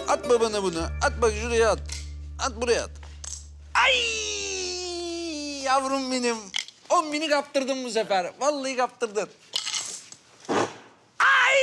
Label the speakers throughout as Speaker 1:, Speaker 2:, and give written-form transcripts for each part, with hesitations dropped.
Speaker 1: At babana bunu. At bak şuraya at. At buraya at. Ay yavrum benim. 10 bini kaptırdın bu sefer. Vallahi kaptırdın. Ay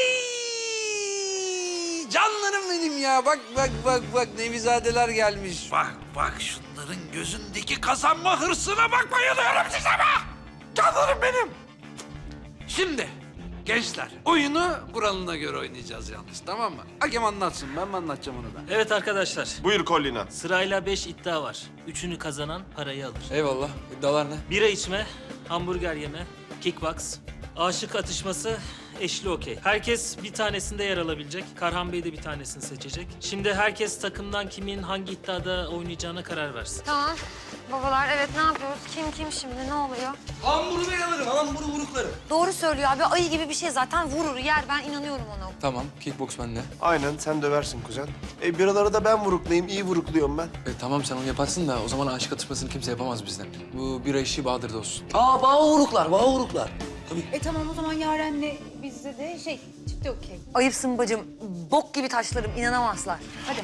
Speaker 1: canlarım benim ya. Bak bak bak bak Nevizadeler gelmiş. Bak bak şunların gözündeki kazanma hırsına bak, bayılıyorum size be. Canlarım benim. Şimdi gençler oyunu kuralına göre oynayacağız yalnız, tamam mı? Hakem anlatsın, ben mi anlatacağım onu da?
Speaker 2: Evet arkadaşlar,
Speaker 3: Buyur Collina.
Speaker 2: sırayla 5 iddia var. Üçünü kazanan parayı alır.
Speaker 4: Eyvallah. İddialar ne?
Speaker 2: Bira içme, hamburger yeme, kickbox, aşık atışması, eşli okey. Herkes bir tanesinde yer alabilecek. Karhan Bey de bir tanesini seçecek. Şimdi herkes takımdan kimin hangi iddiada oynayacağına karar versin.
Speaker 5: Tamam. Babalar evet ne yapıyoruz? Kim şimdi ne oluyor?
Speaker 6: Hamburger alırım, hamburgeruklarım.
Speaker 5: Doğru söylüyor abi. Ayı gibi bir şey zaten vurur yer. Ben inanıyorum ona.
Speaker 4: Tamam. Kickbox bende.
Speaker 3: Aynen sen döversin kuzen. Biraları da ben vuruklayayım, iyi vurukluyorum ben.
Speaker 4: Tamam sen onu yaparsın da o zaman aşık atışmasını kimse yapamaz bizden. Bu bira işi Bahadır'da olsun.
Speaker 6: Bağuruklar. Tabii.
Speaker 7: Tamam o zaman Yaren'le bizde de çifte okey.
Speaker 5: Ayıpsın bacım. Bok gibi taşlarım. İnanamazlar. Hadi.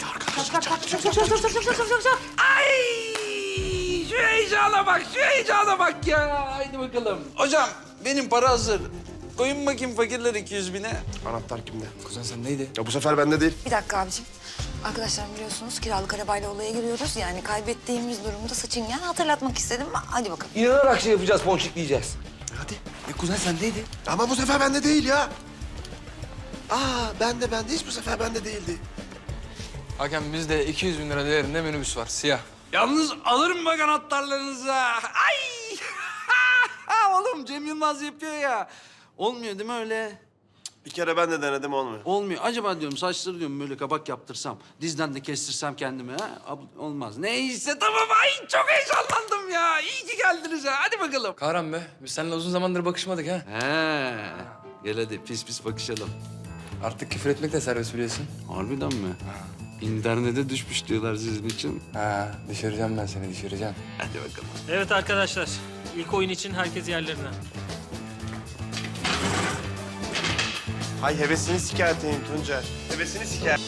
Speaker 5: Çok.
Speaker 1: Ay şu heyecana bak, şu heyecana bak ya. Haydi bakalım. Hocam benim para hazır. Koyun bakayım fakirler 200 bine.
Speaker 3: Anahtar kimde?
Speaker 4: Kuzen sen neydi?
Speaker 3: Ya bu sefer bende değil.
Speaker 5: Bir dakika abicim. Arkadaşlar biliyorsunuz kiralık arabayla olaya giriyoruz. Yani kaybettiğimiz durumda saçıngen hatırlatmak istedim. Hadi bakalım.
Speaker 6: İnanarak şey yapacağız, ponçikleyeceğiz.
Speaker 3: Hadi.
Speaker 4: Kuzen sen neydi?
Speaker 3: Ama bu sefer bende değil ya. Bende hiç bu sefer bende değildi.
Speaker 4: Hakem bizde 200 bin lira değerinde minibüs var. Siyah.
Speaker 1: Yalnız alırım bak anahtarlarınızı. Ay! Oğlum Cem Yılmaz yapıyor ya. Olmuyor değil mi öyle?
Speaker 3: Bir kere ben de denedim olmuyor.
Speaker 1: Olmuyor. Acaba diyorum saçları diyorum böyle kabak yaptırsam, dizden de kestirsem kendime ha? Olmaz. Neyse tamam. Ay çok heyecanlandım ya. İyi ki geldiniz ha. Hadi bakalım.
Speaker 4: Kahraman be. Biz seninle uzun zamandır bakışmadık ha.
Speaker 1: He. Gel hadi pis pis bakışalım.
Speaker 4: Artık küfür etmek de serbest biliyorsun.
Speaker 1: Harbiden mi? İnternete düşmüş diyorlar sizin için.
Speaker 4: Ha, düşüreceğim ben seni, düşüreceğim.
Speaker 1: Hadi bakalım.
Speaker 2: Evet arkadaşlar, ilk oyun için herkes yerlerine.
Speaker 3: Hay hevesini sikerteyim Tuncer. Hevesini siker.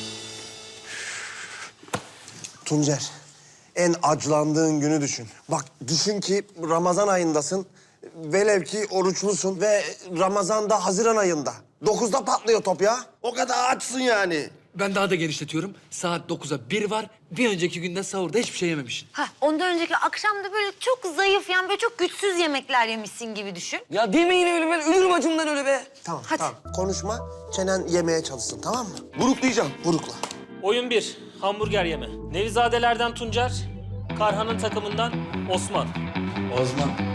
Speaker 3: Tuncer, en aclandığın günü düşün. Bak düşün ki Ramazan ayındasın. Velev ki oruçlusun ve Ramazan da Haziran ayında. 9'da patlıyor top ya. O kadar açsın yani.
Speaker 4: Ben daha da genişletiyorum. Saat 9'a 1 var. Bir önceki günde sahurda hiçbir şey yememişsin.
Speaker 5: Ondan önceki akşam da böyle çok zayıf yani böyle çok güçsüz yemekler yemişsin gibi düşün.
Speaker 6: Ya demeyin öyle, ben ölürüm acımdan öyle be.
Speaker 3: Tamam,
Speaker 5: Hadi.
Speaker 3: tamam. Konuşma, çenen yemeye çalışsın tamam mı?
Speaker 6: Vuruklayacağım.
Speaker 3: Vurukla.
Speaker 2: Oyun 1, hamburger yeme. Nevizadelerden Tuncer, Karhan'ın takımından Osman.
Speaker 4: Osman.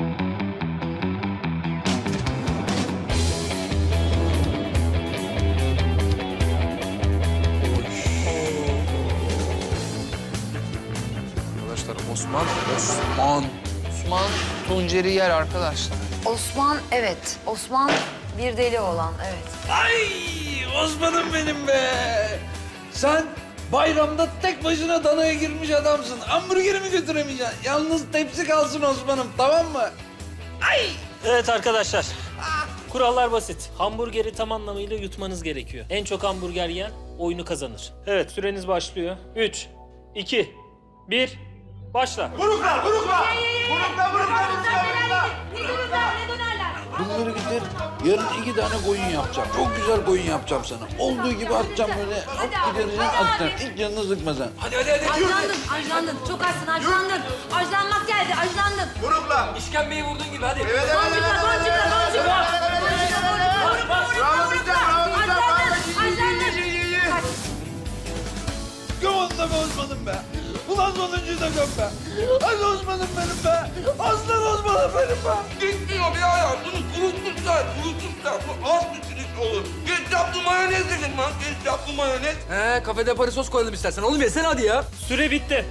Speaker 4: Arkadaşlar Osman.
Speaker 8: Osman Tuncer'i yer arkadaşlar.
Speaker 5: Osman evet. Osman bir deli olan evet.
Speaker 1: Ay Osman'ım benim be. Sen bayramda tek başına danaya girmiş adamsın. Hamburgerimi götüremeyeceksin. Yalnız tepsi kalsın Osman'ım, tamam mı? Ay!
Speaker 2: Evet arkadaşlar, kurallar basit. Hamburgeri tam anlamıyla yutmanız gerekiyor. En çok hamburger yiyen oyunu kazanır. Evet, süreniz başlıyor. 3, 2, 1, başla.
Speaker 1: Bunları getir. Yarın 2 tane koyun yapacağım. Çok güzel koyun yapacağım sana. Olduğu gibi atacağım böyle. Hop gidereceksin atacaksın. Hiç canını sıkma sen.
Speaker 7: Ajlandın. Çok açsın, ajlandın. Ajlanmak geldi, ajlandın.
Speaker 6: İşkembeyi vurduğun gibi hadi.
Speaker 1: Gömanda be Osman'ım be. Ulan sonuncuyu da göm be. Hadi Osman'ım benim be. Aslan Osman'ım benim be.
Speaker 6: Gitmiyor bir ayağı. Bunu kurutmuşlar. Bu az bir çilik olur. Ketçaplı mayonez dedim lan. Ketçaplı mayonez.
Speaker 4: He, kafede Paris sos koyalım istersen. Oğlum yesene hadi ya.
Speaker 2: Süre bitti.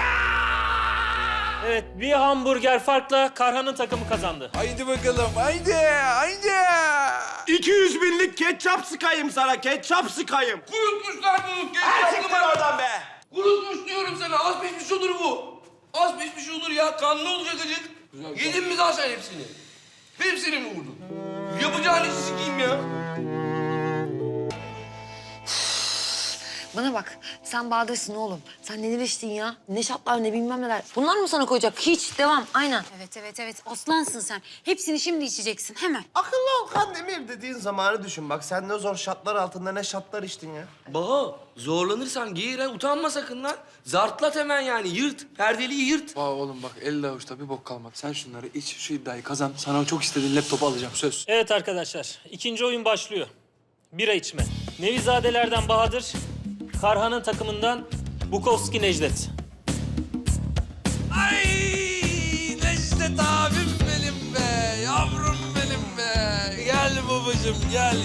Speaker 2: Evet, bir hamburger farkla Karhan'ın takımı kazandı.
Speaker 1: Haydi bakalım. Haydi. Haydi.
Speaker 3: 200 binlik ketçap sıkayım sana, ketçap sıkayım.
Speaker 6: Kurutmuşlar bunu. Ketçaplı mayonez.
Speaker 3: be.
Speaker 6: Kurutmuş diyorum sana. Az pişmiş olur bu. Az pişmiş olur ya. Kanlı olacak acık. Yedin mi daha sen hepsini? Hepsini mi vurdun? Yapacağın işi sikeyim ya.
Speaker 5: Bana bak, sen Bahadır'sın oğlum. Sen neler içtin ya? Ne şatlar ne bilmem neler. Bunlar mı sana koyacak? Hiç, devam, aynen.
Speaker 7: Evet. Aslansın sen. Hepsini şimdi içeceksin hemen.
Speaker 3: Akıllı ol Kandemir dediğin zamanı düşün. Bak sen ne zor şartlar altında ne şartlar içtin ya.
Speaker 6: Baho, zorlanırsan giyir ha, utanma sakın lan. Zartlat hemen yani, yırt. Perdeliği yırt.
Speaker 4: Vay oğlum bak elde avuçta bir bok kalmadı. Sen şunları iç, şu iddiayı kazan. Sana çok istediğin laptopu alacağım söz.
Speaker 2: Evet arkadaşlar, ikinci oyun başlıyor. Bira içme. Nevizadelerden Bahadır, Karhan'ın takımından Bukowski Necdet.
Speaker 1: Ay Necdet abim benim be, yavrum benim be. Gel babacığım, gel.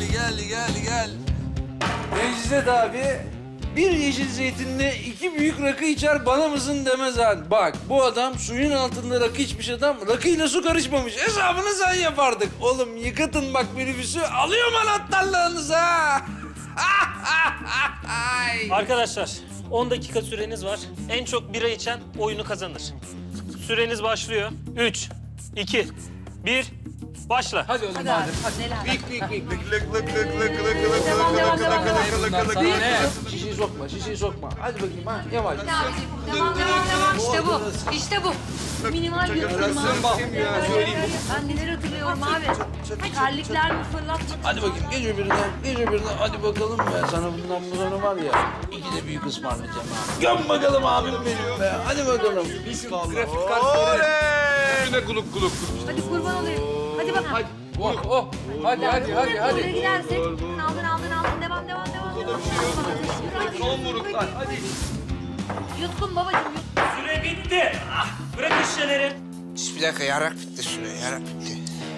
Speaker 1: Necdet abi bir yeşil zeytinle 2 büyük rakı içer, bana mısın demez han. Bak bu adam suyun altında rakı içmiş adam, rakıyla su karışmamış. Hesabını sen yapardık. Oğlum yıkatın bak minibüsü, alıyorum anahtarlarınızı ha. Ay.
Speaker 2: Arkadaşlar, 10 dakika süreniz var. En çok bira içen oyunu kazanır. Süreniz başlıyor. 3, 2, 1, başla.
Speaker 4: Hadi oğlum hadi.
Speaker 1: Şişeyi sokma. Hadi bakayım ha, yavaş.
Speaker 7: Devam. İşte bu. Minimal bir ısınma. Ben neler hatırlıyorum abi. Terlikler mi fırlatmak?
Speaker 1: Hadi bakayım, gece birine. Hadi bakalım be. Sana bundan bu sonra var ya, 2 de büyük ısmarlayacağım ha. Göm bakalım abim benim be. Hadi bakalım.
Speaker 4: Grafik kartları.
Speaker 7: Hadi kurban olayım. Hadi bakalım.
Speaker 4: Hadi.
Speaker 7: Oraya gidersek. Aldın. Devam. Son vuruklar. Hadi. Yutkun babacığım.
Speaker 2: Süre bitti. Bırak şişeleri.
Speaker 8: Bir dakika yarak bitti süre yarak bitti.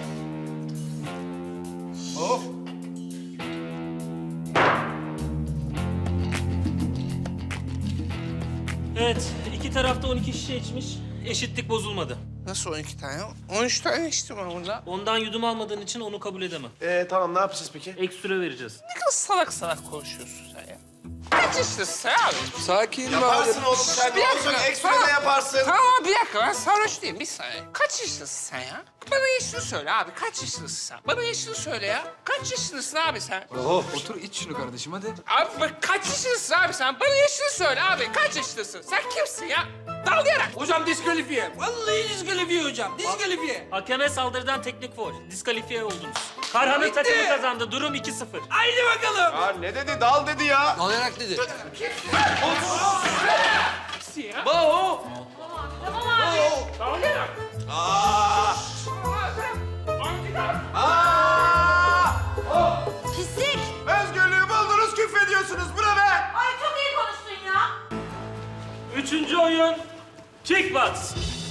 Speaker 2: Evet, iki tarafta 12 şişe içmiş. Eşitlik bozulmadı.
Speaker 8: Nasıl 12 tane? 13 tane içtim ben burada.
Speaker 2: Ondan yudum almadığın için onu kabul edemem.
Speaker 3: Tamam ne yapacağız peki?
Speaker 2: Ek süre vereceğiz.
Speaker 8: Ne kadar salak konuşuyorsun sen ya. Kaç yaşındasın sen abi?
Speaker 6: Sakin
Speaker 3: Yaparsın oğlum sen.
Speaker 8: Bir
Speaker 3: Ne olacak?
Speaker 8: dakika,
Speaker 3: Ekstra da yaparsın.
Speaker 8: Tamam bir dakika ben sarhoş değilim bir saniye. Kaç yaşındasın sen ya? Bana yaşını söyle abi kaç yaşındasın sen? Bana yaşını söyle ya. Kaç yaşındasın abi sen?
Speaker 4: Otur iç şunu kardeşim hadi.
Speaker 8: Abi bak kaç yaşındasın abi sen? Bana yaşını söyle abi kaç yaşındasın? Sen kimsin ya? Dalayarak.
Speaker 6: Hocam diskalifiye. Vallahi diskalifiye hocam, diskalifiye.
Speaker 2: Hakeme saldırıdan teknik faul. Diskalifiye oldunuz. Karhan'ın takımı kazandı. Durum 2-0.
Speaker 6: Haydi bakalım.
Speaker 3: Ya ne dedi? Dal dedi ya.
Speaker 1: Alayarak dedi.
Speaker 6: Baho.
Speaker 7: Pislik.
Speaker 3: Özgürlüğü buldunuz küfrediyorsunuz. Bu ne be?
Speaker 7: Ay çok iyi konuştun ya.
Speaker 2: Üçüncü oyun kickbox.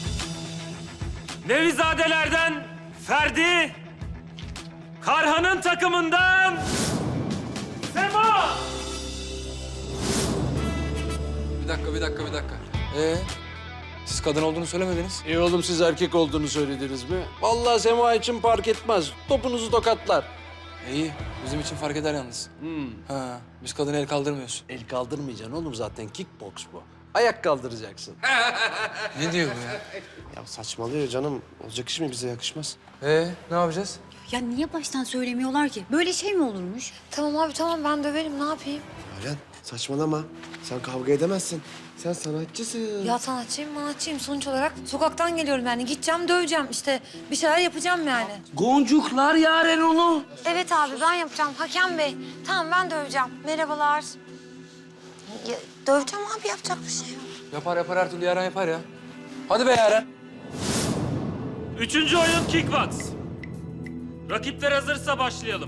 Speaker 2: Nevizadelerden Ferdi, Karhan'ın takımından Sema.
Speaker 4: Bir dakika. Siz kadın olduğunu söylemediniz.
Speaker 1: İyi oğlum, siz erkek olduğunu söylediniz mi? Vallahi Sema için fark etmez. Topunuzu tokatlar.
Speaker 4: İyi. Bizim için fark eder yalnız. Ha, biz kadına el kaldırmıyoruz.
Speaker 1: El kaldırmayacaksın oğlum, zaten kickbox bu. Ayak kaldıracaksın.
Speaker 4: Ne diyor bu ya?
Speaker 3: Ya saçmalıyor canım. Olacak iş mi, bize yakışmaz.
Speaker 4: Ne yapacağız?
Speaker 7: Ya niye baştan söylemiyorlar ki? Böyle şey mi olurmuş?
Speaker 5: Tamam abi, tamam. Ben döverim, ne yapayım?
Speaker 3: Ölen saçmalama. Sen kavga edemezsin. Sen sanatçısın.
Speaker 5: Ya sanatçıyım. Sonuç olarak sokaktan geliyorum yani. Gideceğim, döveceğim. İşte bir şeyler yapacağım yani.
Speaker 6: Goncuklar yaren onu.
Speaker 5: Evet abi, ben yapacağım. Hakem Bey. Tamam, ben döveceğim. Merhabalar. Ya, döveceğim abi, yapacak bir şey yok.
Speaker 4: Yapar her türlü Yaren yapar ya. Hadi be Yaren.
Speaker 2: Üçüncü oyun kickbox. Rakipler hazırsa başlayalım.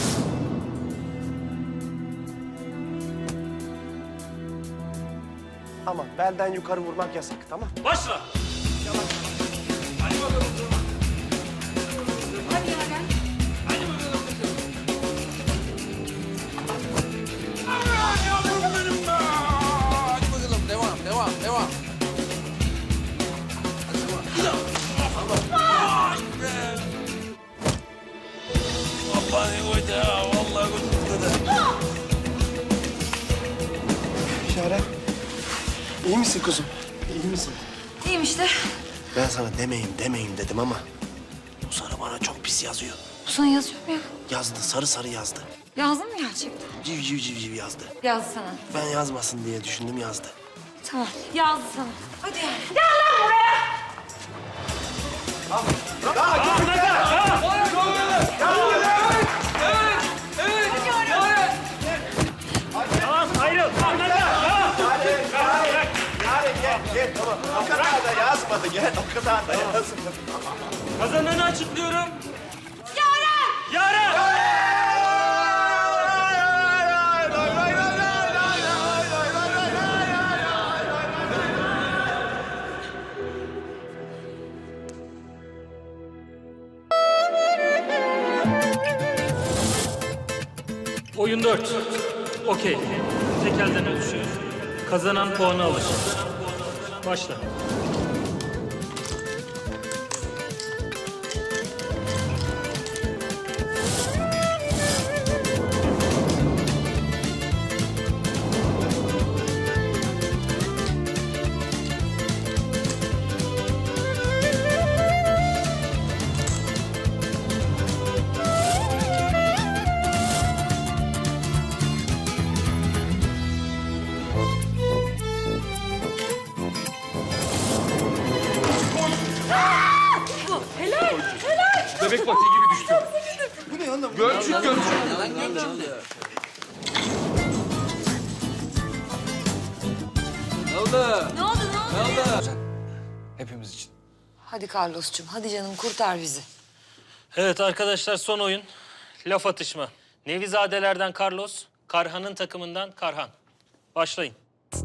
Speaker 3: Ama belden yukarı vurmak yasak, tamam?
Speaker 2: Başla.
Speaker 1: Yavrum benim be. Hadi bakalım, devam. Vallahi koydu ha, vallahi koydu.
Speaker 3: Yaren. İyi misin kuzum? İyi misin?
Speaker 5: İyiyim işte.
Speaker 3: Ben sana demeyin dedim ama bu sarı bana çok pis yazıyor.
Speaker 5: Bu sana yazıyor mu ya?
Speaker 3: Yazdı, sarı yazdı.
Speaker 5: Yazdın mı gerçekten?
Speaker 3: Civciv civciv yazdı.
Speaker 5: Yazdı sana.
Speaker 3: Ben yazmasın diye düşündüm, yazdı.
Speaker 5: Tamam, yazdı sana. Hadi.
Speaker 3: Gel, tamam. O kadar da yazmadı, gel. O kadar da yazmadı.
Speaker 2: Kazananı açıklıyorum. Yaren! Oyun 4. Okey. Tek elden ölçüyor. Kazanan puanı alır. Başla.
Speaker 6: Bebek patiği gibi düştü. Bu ne oğlum? Gölçük.
Speaker 1: Ne oldu?
Speaker 5: Ne oldu?
Speaker 6: Hepimiz için.
Speaker 7: Hadi Carlos'cum, hadi canım kurtar bizi.
Speaker 2: Evet arkadaşlar, son oyun. Laf atışma. Nevizadelerden Carlos, Karhan'ın takımından Karhan. Başlayın.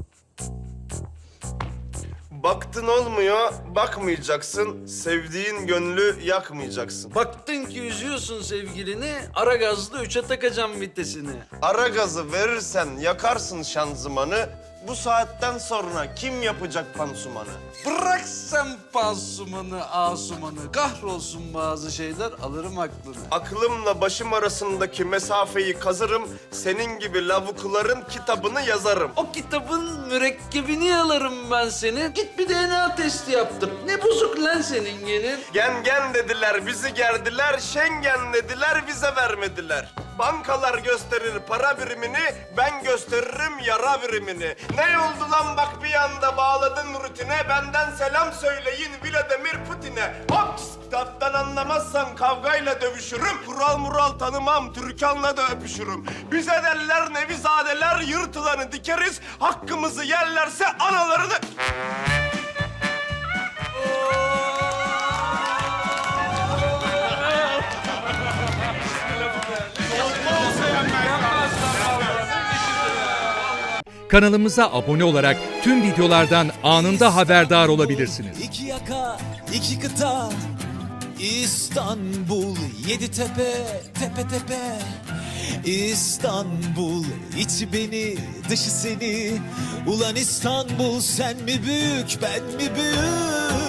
Speaker 3: Baktın olmuyor, bakmayacaksın. Sevdiğin gönlü yakmayacaksın.
Speaker 1: Baktın ki üzüyorsun sevgilini, ara gazlı 3'e takacağım vitesini.
Speaker 3: Ara gazı verirsen yakarsın şanzımanı. Bu saatten sonra kim yapacak pansumanı?
Speaker 1: Bırak sen pansumanı, asumanı. Kahrolsun bazı şeyler, alırım aklını.
Speaker 3: Aklımla başım arasındaki mesafeyi kazırım. Senin gibi lavukların kitabını yazarım.
Speaker 1: O kitabın mürekkebini alırım ben senin. Git bir DNA testi yaptır. Ne bozuk lan senin genin?
Speaker 3: Gen dediler, bizi gerdiler. Schengen dediler, vize vermediler. Bankalar gösterir para birimini, ben gösteririm yara birimini. Ne oldu lan bak bir anda bağladın rutine, benden selam söyleyin Vladimir Putin'e. Hops! Kitaptan anlamazsan kavgayla dövüşürüm. Kural mural tanımam, Türkan'la da öpüşürüm. Bize derler nevizadeler, yırtılanı dikeriz. Hakkımızı yerlerse analarını...
Speaker 9: Kanalımıza abone olarak tüm videolardan anında haberdar olabilirsiniz.
Speaker 10: İki yaka, iki kıta, İstanbul, yedi tepe, tepe tepe. İstanbul, içi beni, dışı seni. Ulan İstanbul, sen mi büyük, ben mi büyük?